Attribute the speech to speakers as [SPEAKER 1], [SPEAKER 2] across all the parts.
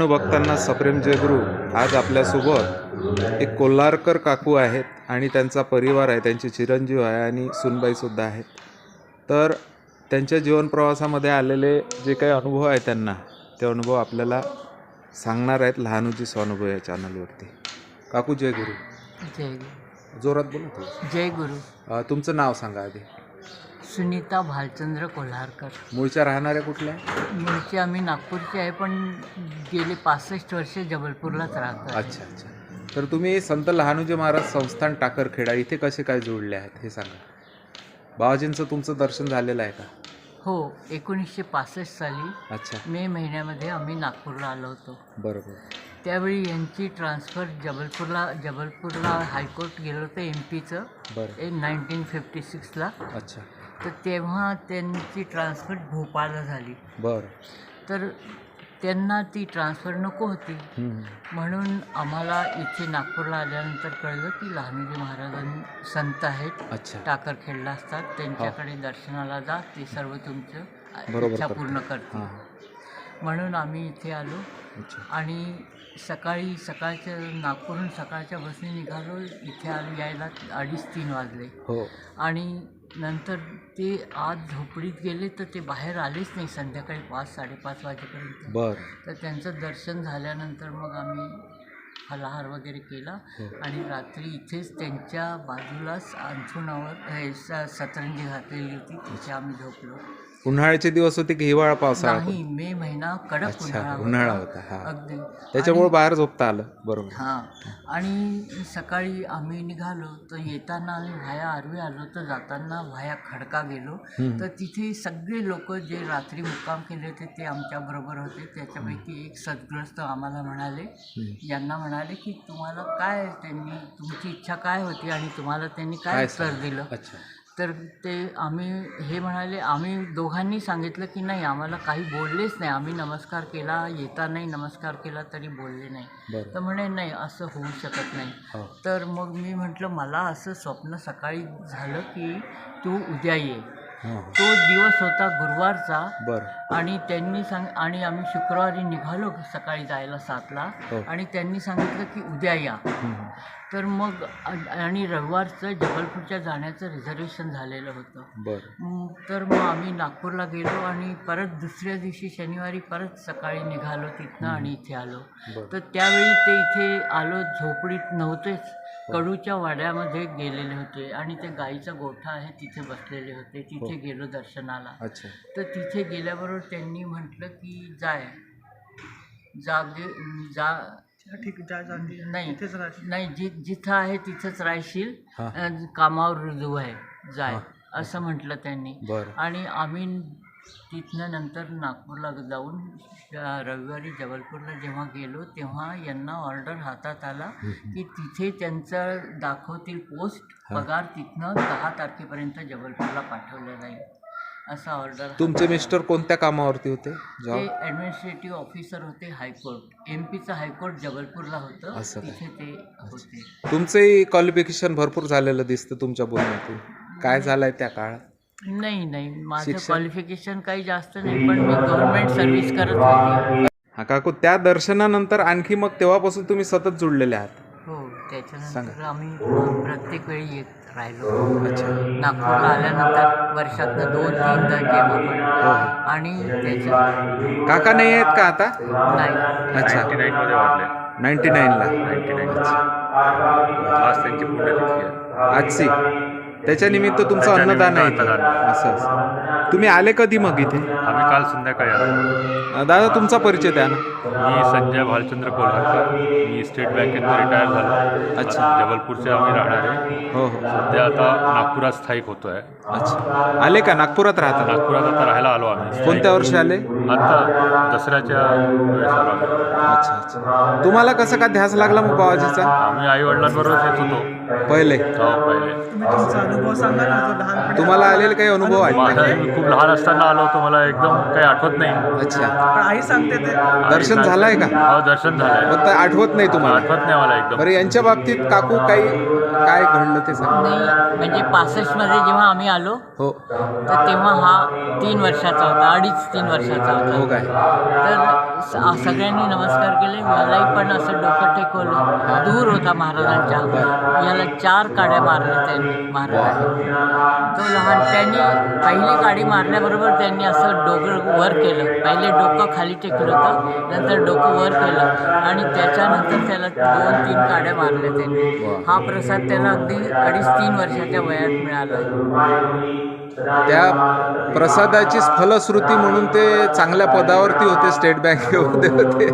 [SPEAKER 1] लहानू भक्तांना सप्रेम जयगुरु. आज आपल्यासोबत एक कोल्हारकर काकू आहेत आणि त्यांचा परिवार आहे, त्यांचे चिरंजीव आहे आणि सुनबाईसुद्धा आहेत. तर त्यांच्या जीवनप्रवासामध्ये आलेले जे काही अनुभव आहेत त्यांना, ते अनुभव आपल्याला सांगणार आहेत लहानूजी स्वानुभव या चॅनलवरती. काकू जय गुरु.
[SPEAKER 2] जय गुरु.
[SPEAKER 1] जोरात बोला थोडं.
[SPEAKER 2] जय गुरु.
[SPEAKER 1] तुमचं नाव सांगा आधी.
[SPEAKER 2] सुनीता भालचंद्र कोल्हारकर.
[SPEAKER 1] मूळच्या राहणाऱ्या कुठल्या?
[SPEAKER 2] मूळचे आम्ही नागपूरचे आहे, पण गेले 65 वर्ष जबलपूरलाच राहतो.
[SPEAKER 1] अच्छा अच्छा. तर तुम्ही संत लहानूजी महाराज संस्थान टाकरखेडा इथे कसे काय जोडले आहेत हे सांगा. बाबाजींचं तुमचं दर्शन झालेलं आहे का?
[SPEAKER 2] हो, 1965 साली
[SPEAKER 1] अच्छा.
[SPEAKER 2] मे महिन्यामध्ये आम्ही नागपूरला आलो होतो.
[SPEAKER 1] बरोबर.
[SPEAKER 2] त्यावेळी यांची ट्रान्सफर जबलपूरला हायकोर्ट गेलं होतं MP चं.
[SPEAKER 1] बरं.
[SPEAKER 2] 1956ला.
[SPEAKER 1] अच्छा.
[SPEAKER 2] तर तेव्हा त्यांची ट्रान्सफर भोपाळला झाली.
[SPEAKER 1] बरं.
[SPEAKER 2] तर त्यांना ती ट्रान्सफर नको होती, म्हणून आम्हाला इथे नागपूरला आल्यानंतर कळलं की लहानूजी महाराजांनी संत आहेत.
[SPEAKER 1] अच्छा.
[SPEAKER 2] टाकरखेडला असतात, त्यांच्याकडे दर्शनाला जा, ते सर्व तुमचं
[SPEAKER 1] बरोबर
[SPEAKER 2] इच्छा
[SPEAKER 1] करतात.
[SPEAKER 2] पूर्ण करतील. म्हणून आम्ही इथे आलो आणि सकाळच्या नागपूरहून सकाळच्या बसने निघालो. इथे आलो यायला 2:30-3 वाजले.
[SPEAKER 1] हो.
[SPEAKER 2] आणि नंतर ते आज झोपडीत गेले, तर ते बाहेर आलेच नाही संध्याकाळी 5-5:30 वाजेपर्यंत.
[SPEAKER 1] बरं.
[SPEAKER 2] तर त्यांचं दर्शन झाल्यानंतर मग आम्ही फलाहार वगैरे केला आणि रात्री इथेच त्यांच्या बाजूलाच अंथरुणावर सतरंजी घातलेली होती, तिथे आम्ही झोपलो.
[SPEAKER 1] उन्हाळ्याचे दिवस होते की हिवाळा पावसाळा?
[SPEAKER 2] नाही, मे महिना कडक
[SPEAKER 1] अच्छा, उन्हाळा होता. हा,
[SPEAKER 2] अगदी.
[SPEAKER 1] त्याच्यामुळे बाहेर झोपता आलं. बरोबर.
[SPEAKER 2] हां. आणि सकाळी आम्ही निघालो, तर येताना आम्ही व्हाया आर्वी आलो, तर जाताना व्हाया खडका गेलो. तर तिथे सगळे लोक जे रात्री मुक्काम केले होते ते आमच्याबरोबर होते. त्याच्यापैकी एक सद्ग्रस्त आम्हाला म्हणाले, यांना म्हणाले की तुम्हाला काय, त्यांनी तुमची इच्छा काय होती आणि तुम्हाला त्यांनी काय उत्तर दिलं?
[SPEAKER 1] अच्छा.
[SPEAKER 2] तर ते हे म्हणाले, आम्ही दोघांनी सांगितलं की नाही, आम्हाला काही बोललेच नाही. आम्ही नमस्कार केला, येतानाही नमस्कार केला तरी बोलले नाही. तर म्हणे नाही, असं होऊ शकत नाही. तर मग मी म्हटलं, मला असं स्वप्न सकाळी झालं की तू उद्या ये. तो दिवस होता गुरुवारचा.
[SPEAKER 1] बरं.
[SPEAKER 2] आणि त्यांनी आणि आम्ही शुक्रवारी निघालो सकाळी जायला 7ला. आणि त्यांनी सांगितलं की उद्या या. तर मग आणि रविवारचं जबलपूरच्या जाण्याचं रिझर्वेशन झालेलं होतं.
[SPEAKER 1] बरं.
[SPEAKER 2] तर मग आम्ही नागपूरला गेलो आणि परत दुसऱ्या दिवशी शनिवारी परत सकाळी निघालो तिथनं आणि इथे आलो. तर त्यावेळी ते इथे आलो, झोपडीत नव्हतेच, कडूच्या वाड्यामध्ये गेलेले होते आणि ते गाईचा गोठा आहे तिथे बसलेले होते. तिथे गेलो दर्शनाला.
[SPEAKER 1] अच्छा.
[SPEAKER 2] तर तिथे गेल्याबरोबर त्यांनी म्हटलं की नाही, जिथं आहे तिथंच राहशील, कामावर रुजू आहे, जाय, असं म्हटलं त्यांनी. आणि आम्ही तिथनं नंतर नागपूरला जाऊन रविवारी जबलपूरला जेव्हा गेलो, तेव्हा यांना ऑर्डर हातात आला की तिथे त्यांचं दाखवतील पोस्ट, पगार तिथनं 10 तारखेपर्यंत जबलपूरला पाठवलं जाईल, असा ऑर्डर.
[SPEAKER 1] तुमचे मिस्टर कोणत्या कामावरती होते?
[SPEAKER 2] ते ॲडमिनिस्ट्रेटिव्ह ऑफिसर होते हायकोर्ट. MPचं हायकोर्ट जबलपूरला होतं, तिथे ते होते.
[SPEAKER 1] तुमचंही क्वालिफिकेशन भरपूर झालेलं दिसतं तुमच्या बोलण्यातून. काय झालंय त्या काळात?
[SPEAKER 2] नाही, माझं क्वालिफिकेशन काही जास्त नाही, पण मी गव्हर्नमेंट सर्व्हिस करत होते.
[SPEAKER 1] हा काकू, त्या दर्शनानंतर आणखी मग तेव्हापासून तुम्ही सतत जुळलेले आहात?
[SPEAKER 2] हो, त्याच्यानंतर आम्ही प्रत्येक वेळी येत राहिलो.
[SPEAKER 1] अच्छा.
[SPEAKER 2] नागपूरला आल्यानंतर वर्षातनं 2-3दा केव्हा पण. आणि त्याच्या
[SPEAKER 1] काका नाही आहेत का आता?
[SPEAKER 2] नाही.
[SPEAKER 1] अच्छा.
[SPEAKER 3] 99मध्ये वाढले.
[SPEAKER 1] 99ला.
[SPEAKER 3] 99. आज त्यांची पुण्यतिथी आहे.
[SPEAKER 1] आजची. त्याच्या निमित्त तुमचं अन्नदान आहे इथे. असं. तुम्ही आले कधी मग इथे?
[SPEAKER 3] आम्ही काल संध्याकाळी आलो.
[SPEAKER 1] दादा, तुमचा परिचय द्या ना.
[SPEAKER 3] मी संजय भालचंद्र कोल्हारकर. मी स्टेट बँकेतून रिटायर झालो.
[SPEAKER 1] अच्छा.
[SPEAKER 3] जबलपूरचे आम्ही राहणार आहे.
[SPEAKER 1] हो.
[SPEAKER 3] सध्या आता नागपुरात स्थायिक होतो आहे.
[SPEAKER 1] अच्छा. आले का? नागपुरात राहता?
[SPEAKER 3] नागपुरात आता राहायला आलो आम्ही.
[SPEAKER 1] कोणत्या वर्षी आले?
[SPEAKER 3] आता दसऱ्याच्या वेळेस आलो आम्ही.
[SPEAKER 1] अच्छा. तुम्हाला कसं काय ध्यास लागला मग बाबाजीचा?
[SPEAKER 3] आम्ही आईवडिलांबरोबर येत होतो
[SPEAKER 1] पहिले.
[SPEAKER 3] पहिले.
[SPEAKER 1] तुम्हाला आलेले काही अनुभव आहे?
[SPEAKER 3] मी खूप लहान असताना आलो होतो, मला एकदम काही आठवत नाही.
[SPEAKER 1] अच्छा.
[SPEAKER 4] आई सांगते ते.
[SPEAKER 1] दर्शन झालंय का?
[SPEAKER 3] हो, दर्शन झालंय.
[SPEAKER 1] फक्त आठवत नाही तुम्हाला?
[SPEAKER 3] आठवत नाही मला एकदम.
[SPEAKER 1] बरं, यांच्या बाबतीत काकू काही काय घडलं ते सांग.
[SPEAKER 2] नाही म्हणजे 65मध्ये जेव्हा आम्ही आलो
[SPEAKER 1] हो
[SPEAKER 2] तर तेव्हा हा 3 वर्षाचा होता, 2.5-3 वर्षाचा
[SPEAKER 1] हो
[SPEAKER 2] होता.
[SPEAKER 1] काय
[SPEAKER 2] तर सगळ्यांनी नमस्कार केले. मलाही पण असं डोकं टेकवलं. दूर होता महाराजांच्या. याला 4 काड्या मारल्या त्यांनी महाराजांनी. तो लहान त्यांनी पहिली काडी मारल्याबरोबर त्यांनी असं डोकं वर केलं. पहिले डोकं खाली टेकलं होतं, नंतर डोकं वर केलं आणि त्याच्यानंतर त्याला 2-3 काड्या मारल्या त्यांनी. हा प्रसाद त्याला अगदी 2.5-3 वर्षाच्या वयात मिळाला.
[SPEAKER 1] त्या प्रसादाचीच फलश्रुती म्हणून ते चांगल्या पदावरती होते, स्टेट बँकेमध्ये होते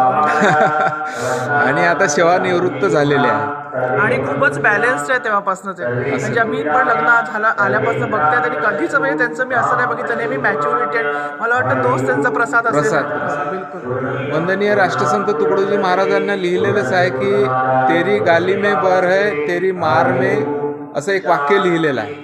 [SPEAKER 1] आणि आता सेवानिवृत्त झालेले आहे.
[SPEAKER 4] आणि खूपच बॅलन्स्ड आहे तेव्हापासून ते. म्हणजे मी पण लग्न झालं आल्यापासून बघते त्यांनी कधीच म्हणजे त्यांचं मी असं नाही बघितलं, नेहमी मॅच्युरिटी. मला वाटतं तोच त्यांचा प्रसाद असेल. बिलकुल.
[SPEAKER 1] वंदनीय राष्ट्रसंत तुकडोजी महाराजांना लिहिलेलंच आहे की तेरी गाली में बर है तेरी मार में, असं एक वाक्य लिहिलेलं आहे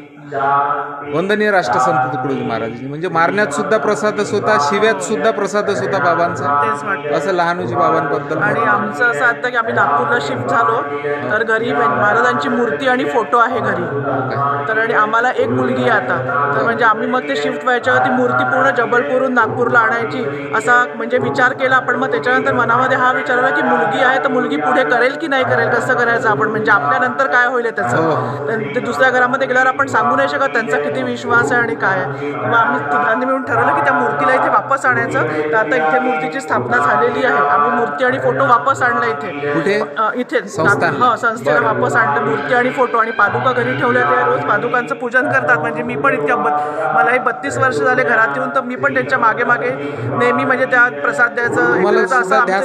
[SPEAKER 1] वंदनीय राष्ट्रसंत तुकडोजी महाराजांनी. म्हणजे मारण्यात सुद्धा प्रसादच होता, शिव्यात सुद्धा प्रसादच होता बाबांचा,
[SPEAKER 4] तेच वाटतं.
[SPEAKER 1] असं लहानोजी बाबांबद्दल.
[SPEAKER 4] आणि आमचं असं आता की आम्ही नागपूरला शिफ्ट झालो तर घरी महाराजांची मूर्ती आणि फोटो आहे घरी. तर आणि आम्हाला एक मुलगी आहे आता. तर म्हणजे आम्ही मग ते शिफ्ट व्हायच्या ती मूर्ती पूर्ण जबलपूरहून नागपूरला आणायची असा म्हणजे विचार केला. पण मग त्याच्यानंतर मनामध्ये हा विचार आला की मुलगी आहे तर मुलगी पुढे करेल की नाही करेल, कसं करायचं आपण, म्हणजे आपल्यानंतर काय होईल त्याचं. तर ते दुसऱ्या घरामध्ये गेल्यावर आपण सांगू नाही शकत त्यांचा किती विश्वास आहे आणि काय आहे. मग आम्ही तिघांनी मिळून ठरवलं की त्या मूर्तीला इथे वापस आणायचं. तर आता इथे मूर्तीची स्थापना झालेली आहे. आम्ही मूर्ती आणि फोटो वापस आणला इथे.
[SPEAKER 1] कुठे?
[SPEAKER 4] इथे
[SPEAKER 1] संस्थान.
[SPEAKER 4] संस्थेला वापस आणलं मूर्ती आणि फोटो. आणि पादुका घरी ठेवल्या. ते रोज पादुकांचं पूजन करतात. म्हणजे मी पण इतक्या मलाही 32 वर्ष झाले घरात येऊन, तर मी पण त्यांच्या मागे मागे नेहमी म्हणजे त्या प्रसाद द्यायचं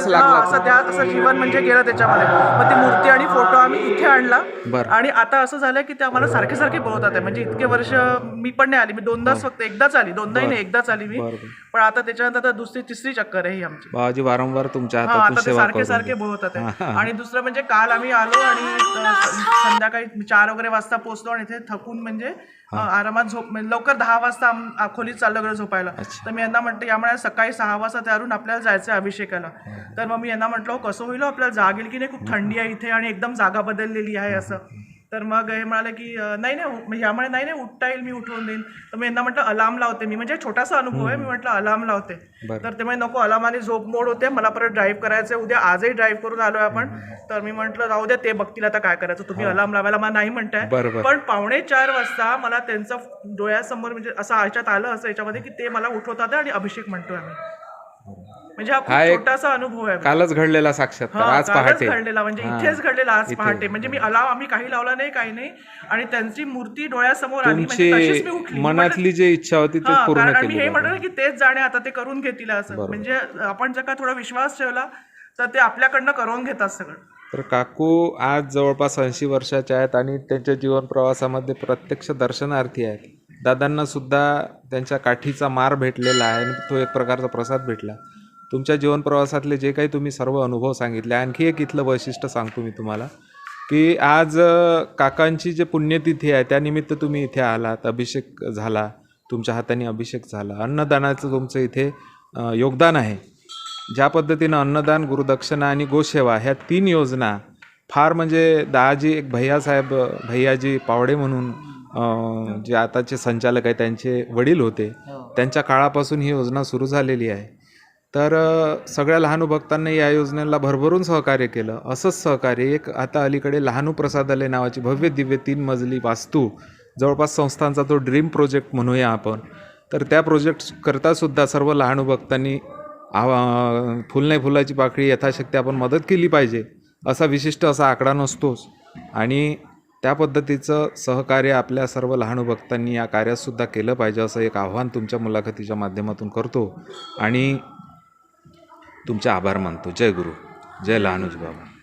[SPEAKER 4] असं जीवन म्हणजे गेलं त्याच्यामध्ये. मग ती मूर्ती आणि फोटो आम्ही इथे आणला. आणि आता असं झालं की ते आम्हाला सारखे सारखे बोलवतात आहे. म्हणजे इतके वर्ष मी पण नाही आली, मी दोनदाच फक्त एकदाच आली, दोनदाही नाही एकदाच आली मी. पण आता त्याच्यानंतर आता दुसरी तिसरी चक्कर आहे ही आमची.
[SPEAKER 1] बाबाजी वारंवार तुमच्या
[SPEAKER 4] आता
[SPEAKER 1] हातातून
[SPEAKER 4] ते
[SPEAKER 1] सेवा
[SPEAKER 4] सारखे
[SPEAKER 1] करत
[SPEAKER 4] सारखे
[SPEAKER 1] होते.
[SPEAKER 4] बोलवतात आहे. आणि दुसरं म्हणजे काल आम्ही आलो आणि संध्याकाळी 4 वगैरे वाजता पोहोचलो आणि इथे थकून म्हणजे आरामात म्हणजे लवकर 10 वाजता खोलीत चाललो गेलो झोपायला. तर मी यांना म्हटलं यामुळे सकाळी 6 वाजता तयारून आपल्याला जायचं आहे अभिषेकाला. तर मग मी यांना म्हटलं कसं होईल आपल्याला जाग येईल की नाही, खूप थंडी आहे इथे आणि एकदम जागा बदललेली आहे असं. तर मग हे म्हणाले की नाही यामुळे नाही उठता येईल, मी उठवून देईन. तर मी यांना म्हटलं अलार्म लावते मी, म्हणजे छोटासा अनुभव आहे. मी म्हटलं अलार्म लावते. तर ते म्हणजे नको, अलार्माने झोप मोड होते, मला परत ड्राईव्ह करायचं आहे उद्या. आजही ड्राईव्ह करून आलोय आपण. तर मी म्हटलं राहू द्या, ते बघतील आता काय करायचं, तुम्ही अलार्म लावायला मला नाही म्हणताय. पण 3:45 वाजता मला त्यांचं डोळ्यासमोर म्हणजे असं ह्याच्यात आलं असं याच्यामध्ये की ते मला उठवतात आणि अभिषेक म्हणतोय आम्ही. म्हणजे हा खूप छोटासा अनुभव आहे.
[SPEAKER 1] कालच घडलेला साक्षात्कार, आज पहाटे
[SPEAKER 4] घडलेला, म्हणजे इथेच घडलेला आज पहाटे. म्हणजे मी आम्ही काही लावला नाही, काही नाही. आणि त्यांची मूर्ती डोळ्यासमोर आली, म्हणजे तशीच मी उठली.
[SPEAKER 1] मनातली जी इच्छा होती ती पूर्ण
[SPEAKER 4] कारण मी
[SPEAKER 1] केली.
[SPEAKER 4] हे म्हटलं की तेच जाणे आता ते करून घेतील असं. म्हणजे आपण जर का थोडा विश्वास ठेवला तर ते आपल्याकडनं करून घेतात सगळं.
[SPEAKER 1] तर काकू आज जवळपास 80 वर्षाच्या आहेत आणि त्यांच्या जीवन प्रवासामध्ये प्रत्यक्ष दर्शनार्थी आहेत. दादांना सुद्धा त्यांच्या काठीचा मार भेटलेला आहे आणि तो एक प्रकारचा प्रसाद भेटला. तुमच्या जीवन प्रवासातले जे काही तुम्ही सर्व अनुभव सांगितले, आणखी एक इथलं वैशिष्ट्य सांगतो मी तुम्हाला की आज काकांची जे पुण्यतिथी आहे त्यानिमित्त तुम्ही इथे आलात, अभिषेक झाला, तुमच्या हाताने अभिषेक झाला, अन्नदानाचं तुमचं इथे योगदान आहे. ज्या पद्धतीनं अन्नदान, गुरुदक्षिणा आणि गोसेवा ह्या 3 योजना फार म्हणजे दाजी एक भैयाजी पावडे म्हणून जे आताचे संचालक आहे त्यांचे वडील होते, त्यांच्या काळापासून ही योजना सुरू झालेली आहे. तर सगळ्या लहानू भक्तांनी या योजनेला भरभरून सहकार्य केलं. असंच सहकार्य एक आता अलीकडे लहानू प्रसादालय नावाची भव्य दिव्य 3 मजली वास्तू, जवळपास संस्थांचा तो ड्रीम प्रोजेक्ट म्हणूया आपण. तर त्या प्रोजेक्ट करतासुद्धा सर्व लहानू भक्तांनी फुल नाही फुलाची पाकळी यथाशक्ती आपण मदत केली पाहिजे, असा विशिष्ट असा आकडा नसतोच. आणि त्या पद्धतीचं सहकार्य आपल्या सर्व लहानू भक्तांनी या कार्यातसुद्धा केलं पाहिजे, असं एक आव्हान तुमच्या मुलाखतीच्या माध्यमातून करतो आणि तुमचे आभार मानतो. जय गुरु, जय लहानूजी बाबा.